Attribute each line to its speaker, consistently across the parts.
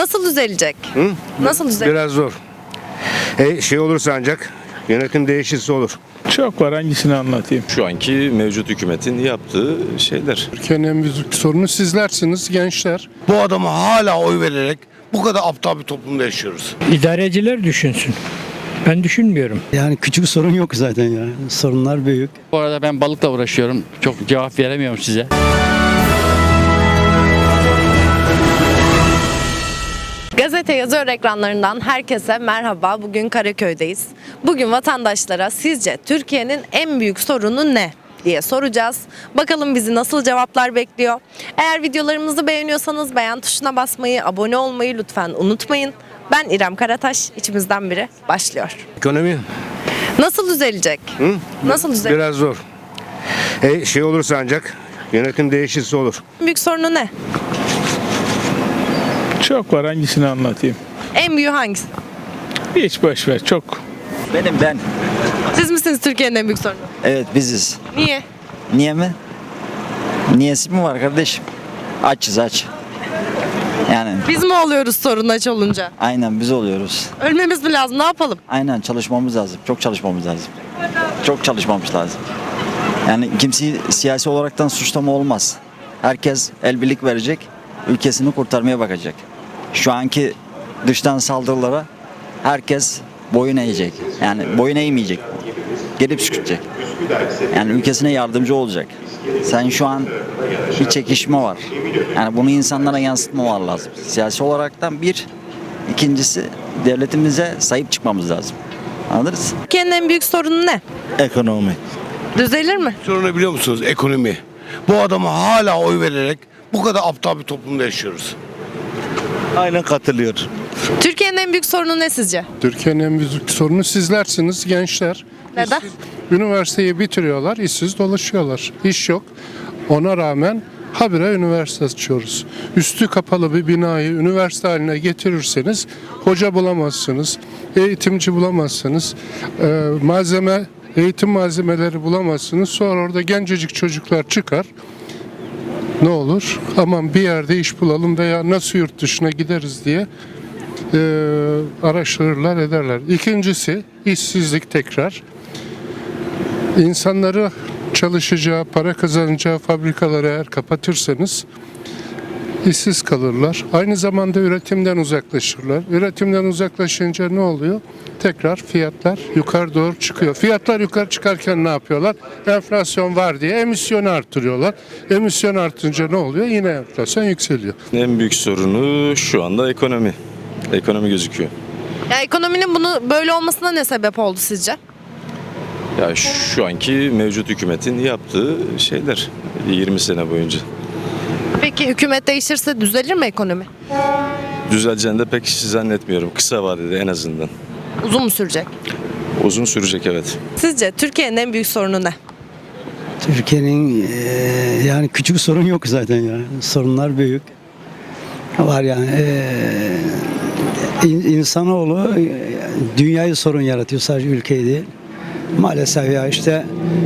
Speaker 1: Nasıl düzelecek?
Speaker 2: Hı?
Speaker 1: Nasıl düzelecek?
Speaker 2: Biraz zor. Şey olursa ancak yönetim değişirse olur.
Speaker 3: Çok var, hangisini anlatayım?
Speaker 4: Şu anki mevcut hükümetin yaptığı şeyler.
Speaker 5: Türkiye'nin en büyük sorunu sizlersiniz gençler.
Speaker 6: Bu adama hala oy vererek bu kadar aptal bir toplumda yaşıyoruz.
Speaker 7: İdareciler düşünsün. Ben düşünmüyorum.
Speaker 8: Yani küçük sorun yok zaten ya. Sorunlar büyük.
Speaker 9: Bu arada ben balıkla uğraşıyorum. Çok cevap veremiyorum size.
Speaker 1: Gazete yazıyor ekranlarından herkese merhaba. Bugün Karaköy'deyiz. Bugün vatandaşlara sizce Türkiye'nin en büyük sorunu ne diye soracağız. Bakalım bizi nasıl cevaplar bekliyor. Eğer videolarımızı beğeniyorsanız beğen tuşuna basmayı, abone olmayı lütfen unutmayın. Ben İrem Karataş, içimizden biri başlıyor.
Speaker 2: Ekonomi
Speaker 1: Nasıl düzelecek? Nasıl düzelecek?
Speaker 2: biraz zor. Şey olursa ancak yönetim değişirse olur.
Speaker 1: En büyük sorunu ne?
Speaker 3: Çok var, hangisini anlatayım?
Speaker 1: En büyüğü hangisi?
Speaker 3: Hiç boş ver, çok.
Speaker 10: Ben.
Speaker 1: Siz misiniz Türkiye'nin en büyük sorunu?
Speaker 10: Evet biziz.
Speaker 1: Niye?
Speaker 10: Niye mi? Niyesi mi var kardeşim? Açız aç. Yani
Speaker 1: Biz mi oluyoruz sorun aç olunca?
Speaker 10: aynen biz oluyoruz.
Speaker 1: Ölmemiz mi lazım? Ne yapalım?
Speaker 10: Aynen çalışmamız lazım. Çok çalışmamız lazım. Çok çalışmamız lazım. Yani kimseyi siyasi olaraktan suçlama olmaz. Herkes el birlik verecek, ülkesini kurtarmaya bakacak. Şu anki dıştan saldırılara herkes boyun eğecek. Yani boyun eğmeyecek. Gelip sükutacak. Yani ülkesine yardımcı olacak. Sen şu an bir çekişme var. Yani bunu insanlara yansıtmamalar lazım. Siyasi olaraktan bir. İkincisi devletimize sahip çıkmamız lazım. Anladınız?
Speaker 1: Türkiye'nin en büyük sorunu ne?
Speaker 6: Ekonomi.
Speaker 1: Düzelir mi?
Speaker 6: Sorunu biliyor musunuz? Ekonomi. Bu adama hala oy vererek bu kadar aptal bir toplumda yaşıyoruz.
Speaker 4: Aynen katılıyor.
Speaker 1: Türkiye'nin en büyük sorunu ne sizce?
Speaker 5: Türkiye'nin en büyük sorunu sizlersiniz gençler.
Speaker 1: Neden?
Speaker 5: Üniversiteyi bitiriyorlar, işsiz dolaşıyorlar. İş yok. Ona rağmen habire üniversite açıyoruz. Üstü kapalı bir binayı üniversite haline getirirseniz hoca bulamazsınız, eğitimci bulamazsınız, eğitim malzemeleri bulamazsınız. Sonra orada gencecik çocuklar çıkar. Ne olur? Aman bir yerde iş bulalım veya nasıl yurt dışına gideriz diye araştırırlar ederler. İkincisi işsizlik tekrar. İnsanları çalışacağı, para kazanacağı fabrikaları eğer kapatırsanız işsiz kalırlar. Aynı zamanda üretimden uzaklaşırlar. Üretimden uzaklaşınca ne oluyor? Tekrar fiyatlar yukarı doğru çıkıyor. Fiyatlar yukarı çıkarken ne yapıyorlar? Enflasyon var diye emisyonu artırıyorlar. Emisyon artınca ne oluyor? Yine enflasyon yükseliyor.
Speaker 4: En büyük sorunu şu anda ekonomi. Ekonomi gözüküyor.
Speaker 1: Ya ekonominin bunu böyle olmasına ne sebep oldu sizce?
Speaker 4: Ya şu anki mevcut hükümetin yaptığı şeyler 20 sene boyunca.
Speaker 1: Peki hükümet değişirse düzelir mi ekonomi?
Speaker 4: Düzeleceğini de pek zannetmiyorum. Kısa vadede en azından.
Speaker 1: Uzun mu sürecek?
Speaker 4: Uzun sürecek evet.
Speaker 1: Sizce Türkiye'nin en büyük sorunu ne?
Speaker 8: Türkiye'nin yani küçük sorun yok zaten ya. Sorunlar büyük. Var yani. İnsanoğlu dünyayı sorun yaratıyor, sadece ülkeyi değil. Maalesef ya işte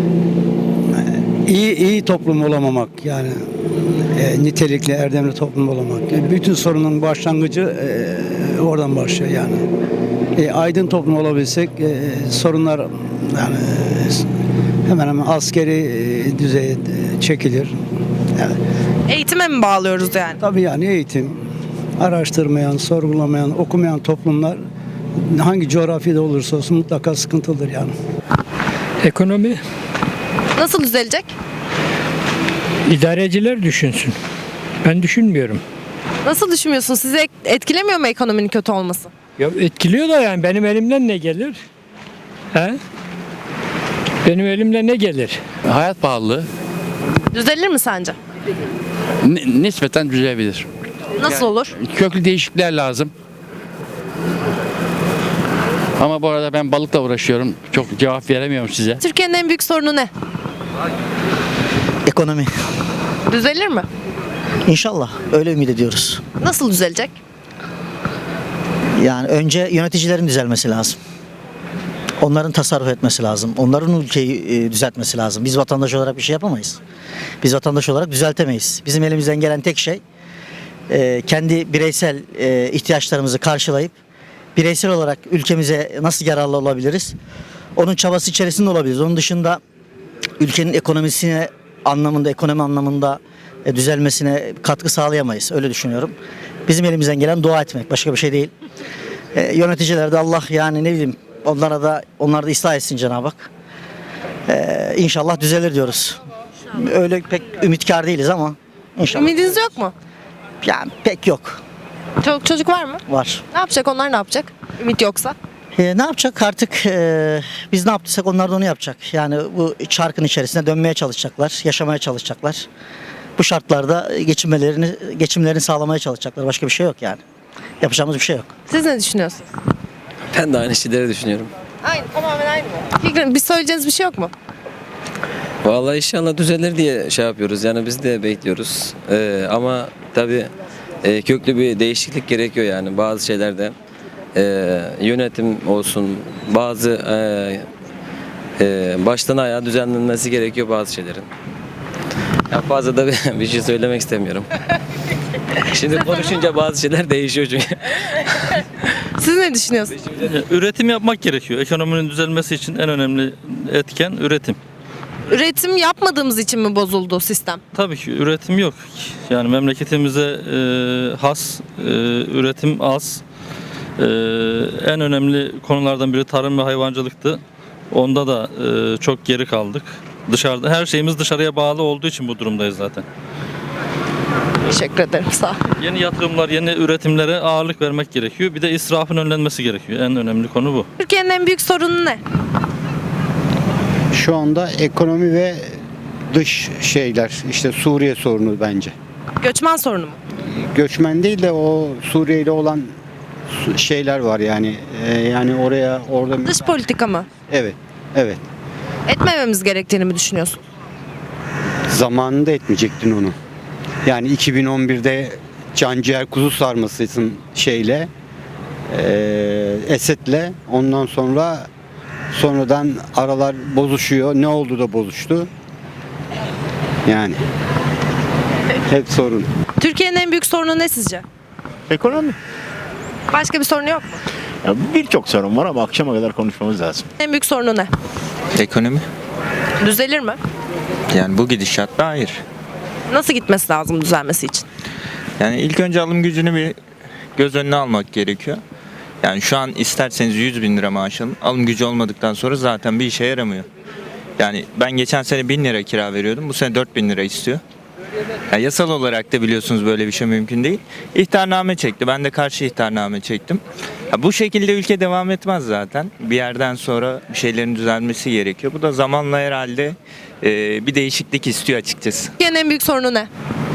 Speaker 8: iyi toplum olamamak, yani nitelikli, erdemli toplum olamamak. Bütün sorunun başlangıcı oradan başlıyor yani. Aydın toplum olabilsek sorunlar yani hemen hemen askeri düzeye çekilir. Yani,
Speaker 1: Eğitime mi bağlıyoruz yani?
Speaker 8: tabii yani eğitim, araştırmayan, sorgulamayan, okumayan toplumlar hangi coğrafyada olursa olsun mutlaka sıkıntılıdır yani.
Speaker 7: Ekonomi,
Speaker 1: Nasıl düzelecek?
Speaker 7: idareciler düşünsün. Ben düşünmüyorum.
Speaker 1: Nasıl düşünmüyorsun? Sizi etkilemiyor mu ekonominin kötü olması?
Speaker 7: Ya etkiliyor da yani benim elimden ne gelir? He? Benim elimden ne gelir?
Speaker 9: Hayat pahalılığı
Speaker 1: Düzelir mi sence?
Speaker 9: nispeten düzelebilir.
Speaker 1: Nasıl olur?
Speaker 9: Köklü değişiklikler lazım. Ama bu arada ben balıkla uğraşıyorum. Çok cevap veremiyorum size.
Speaker 1: Türkiye'nin en büyük sorunu ne?
Speaker 10: Ekonomi.
Speaker 1: Düzelir mi?
Speaker 10: İnşallah öyle ümit ediyoruz.
Speaker 1: Nasıl düzelecek?
Speaker 10: Yani önce yöneticilerin düzelmesi lazım. Onların tasarruf etmesi lazım. Onların ülkeyi düzeltmesi lazım. Biz vatandaş olarak bir şey yapamayız. Biz vatandaş olarak düzeltemeyiz. Bizim elimizden gelen tek şey kendi bireysel ihtiyaçlarımızı karşılayıp bireysel olarak ülkemize nasıl yararlı olabiliriz? Onun çabası içerisinde olabiliriz. Onun dışında ülkenin ekonomisine anlamında, ekonomi anlamında düzelmesine katkı sağlayamayız. Öyle düşünüyorum. Bizim elimizden gelen dua etmek. Başka bir şey değil. Yöneticiler de Allah yani ne bileyim onlar da ıslah etsin Cenab-ı Hak. İnşallah düzelir diyoruz. Öyle pek ümitkar değiliz ama inşallah.
Speaker 1: Ümidiniz yok mu?
Speaker 10: Yani pek yok.
Speaker 1: Çok çocuk var mı?
Speaker 10: Var.
Speaker 1: Ne yapacak onlar, ne yapacak? Ümit yoksa.
Speaker 10: Ne yapacak artık biz ne yaptıysak onlar da onu yapacak. Yani bu çarkın içerisinde dönmeye çalışacaklar, yaşamaya çalışacaklar. Bu şartlarda geçimlerini sağlamaya çalışacaklar. Başka bir şey yok yani. Yapacağımız bir şey yok.
Speaker 1: Siz ne düşünüyorsunuz?
Speaker 11: Ben de aynı şeyleri düşünüyorum.
Speaker 1: Aynı, tamamen aynı mı? Fikrin, bir söyleyeceğiniz bir şey yok mu?
Speaker 11: Vallahi inşallah düzelir diye şey yapıyoruz. Yani biz de bekliyoruz. Ama tabii köklü bir değişiklik gerekiyor yani bazı şeylerde. Yönetim olsun, bazı baştan ayağa düzenlenmesi gerekiyor bazı şeylerin. Ya fazla da bir şey söylemek istemiyorum. Şimdi konuşunca bazı şeyler değişiyor çünkü.
Speaker 1: Siz ne düşünüyorsunuz?
Speaker 3: Üretim yapmak gerekiyor. Ekonominin düzelmesi için en önemli etken üretim.
Speaker 1: Üretim yapmadığımız için mi bozuldu sistem?
Speaker 3: Tabii ki üretim yok. Yani memleketimize has, üretim az. En önemli konulardan biri tarım ve hayvancılıktı. Onda da çok geri kaldık. Dışarıda her şeyimiz dışarıya bağlı olduğu için bu durumdayız zaten.
Speaker 1: Teşekkür ederim, sağ ol.
Speaker 3: Yeni yatırımlar, yeni üretimlere ağırlık vermek gerekiyor. Bir de israfın önlenmesi gerekiyor. En önemli konu bu.
Speaker 1: Türkiye'nin en büyük sorunu ne?
Speaker 12: Şu anda ekonomi ve dış şeyler, işte Suriye sorunu bence.
Speaker 1: Göçmen sorunu mu?
Speaker 12: Göçmen değil de o Suriye ile olan şeyler var yani. Yani orada
Speaker 1: Dış politika mı?
Speaker 12: evet, evet.
Speaker 1: Etmememiz gerektiğini mi düşünüyorsun?
Speaker 12: Zamanında etmeyecektin onu. Yani 2011'de canciğer kuzu sarmasısın şeyle, Esed'le. Ondan sonradan aralar bozuşuyor. Ne oldu da bozuştu? Yani hep sorun.
Speaker 1: Türkiye'nin en büyük sorunu ne sizce?
Speaker 13: Ekonomi.
Speaker 1: Başka bir sorunu yok mu?
Speaker 13: Ya birçok sorun var ama akşama kadar konuşmamız lazım.
Speaker 1: En büyük sorunu ne?
Speaker 14: Ekonomi.
Speaker 1: Düzelir mi?
Speaker 14: Yani bu gidişatta hayır.
Speaker 1: Nasıl gitmesi lazım düzelmesi için?
Speaker 14: Yani ilk önce alım gücünü bir göz önüne almak gerekiyor. Yani şu an isterseniz 100 bin lira maaş alın. Alım gücü olmadıktan sonra zaten bir işe yaramıyor. Yani ben geçen sene 1000 lira kira veriyordum. Bu sene 4000 lira istiyor. Yani yasal olarak da biliyorsunuz böyle bir şey mümkün değil. İhtarname çekti. Ben de karşı ihtarname çektim. Ya bu şekilde ülke devam etmez zaten. Bir yerden sonra bir şeylerin düzelmesi gerekiyor. Bu da zamanla herhalde bir değişiklik istiyor açıkçası.
Speaker 1: Türkiye'nin en büyük sorunu ne?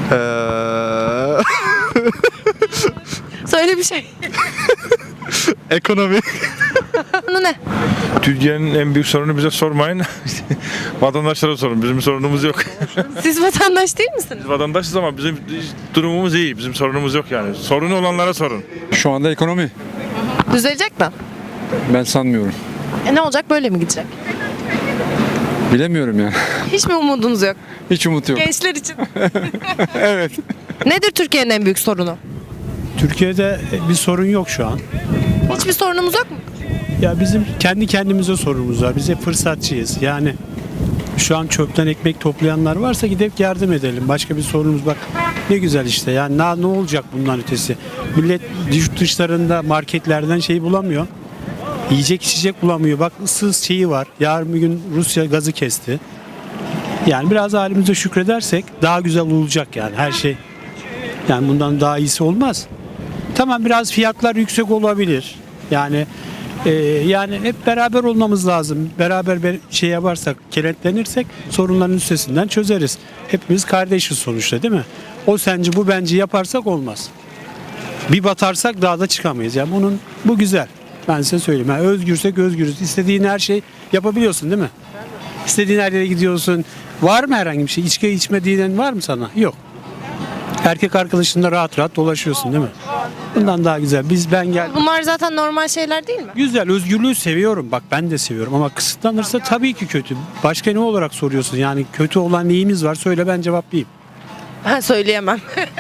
Speaker 1: Söyle bir şey.
Speaker 3: Ekonomi.
Speaker 1: Sorunu ne?
Speaker 3: Türkiye'nin en büyük sorunu bize sormayın. Vatandaşlara sorun. Bizim sorunumuz yok.
Speaker 1: Siz vatandaş değil misiniz?
Speaker 3: Biz vatandaşız ama bizim durumumuz iyi. Bizim sorunumuz yok yani. Sorunu olanlara sorun.
Speaker 15: Şu anda ekonomi.
Speaker 1: Düzelecek mi?
Speaker 15: Ben sanmıyorum.
Speaker 1: Ne olacak, böyle mi gidecek?
Speaker 15: Bilemiyorum yani.
Speaker 1: Hiç mi umudunuz yok?
Speaker 15: Hiç umut yok.
Speaker 1: Gençler için.
Speaker 15: Evet.
Speaker 1: Nedir Türkiye'nin en büyük sorunu?
Speaker 16: Türkiye'de bir sorun yok şu an.
Speaker 1: Hiçbir sorunumuz yok mu?
Speaker 16: Ya bizim kendi kendimize sorunumuz var. Biz hep fırsatçıyız. Yani şu an çöpten ekmek toplayanlar varsa gidip yardım edelim. Başka bir sorunumuz bak. Ne güzel işte. Yani ne olacak bundan ötesi? Millet dışlarında marketlerden şey bulamıyor. Yiyecek içecek bulamıyor. Bak ıssız şeyi var. Yarın bir gün Rusya gazı kesti. Yani biraz halimize şükredersek daha güzel olacak yani her şey. Yani bundan daha iyisi olmaz. Tamam biraz fiyatlar yüksek olabilir. Yani hep beraber olmamız lazım. Beraber şey yaparsak, kenetlenirsek sorunların üstesinden çözeriz. Hepimiz kardeşiz sonuçta değil mi? O sence bu bence yaparsak olmaz. Bir batarsak daha da çıkamayız. Yani bu güzel. Ben size söyleyeyim. Yani özgürsek özgürüz. İstediğin her şey yapabiliyorsun değil mi? İstediğin her yere gidiyorsun. Var mı herhangi bir şey? İçki içmediğin var mı sana? Yok. Erkek arkadaşınla rahat rahat dolaşıyorsun değil mi? Bundan daha güzel. Ben geldim.
Speaker 1: Bunlar zaten normal şeyler değil mi?
Speaker 16: Güzel, özgürlüğü seviyorum. Bak ben de seviyorum ama kısıtlanırsa tabii ki kötü. Başka ne olarak soruyorsun? Yani kötü olan neyimiz var? Söyle ben cevaplayayım.
Speaker 1: Ben söyleyemem.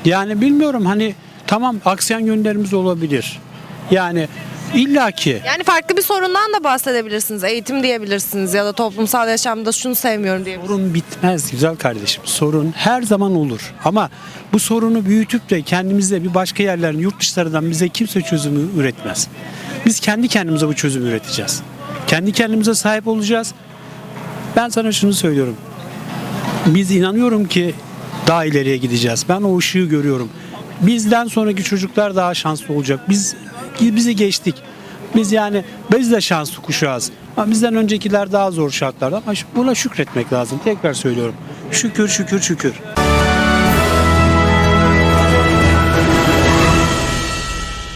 Speaker 16: Yani bilmiyorum, hani tamam aksayan yönlerimiz olabilir. Yani illaki
Speaker 1: Yani farklı bir sorundan da bahsedebilirsiniz. Eğitim diyebilirsiniz ya da toplumsal yaşamda şunu sevmiyorum diyebilirsiniz.
Speaker 16: sorun bitmez güzel kardeşim. Sorun her zaman olur. Ama bu sorunu büyütüp de kendimizde bir başka yerlerin, yurt dışlarından bize kimse çözümü üretmez. Biz kendi kendimize bu çözümü üreteceğiz. Kendi kendimize sahip olacağız. Ben sana şunu söylüyorum. Biz inanıyorum ki daha ileriye gideceğiz. Ben o ışığı görüyorum. Bizden sonraki çocuklar daha şanslı olacak. Bizi geçtik. Biz de şanslı kuşağız. Ama bizden öncekiler daha zor şartlarda. Ama buna şükretmek lazım. Tekrar söylüyorum. Şükür, şükür, şükür.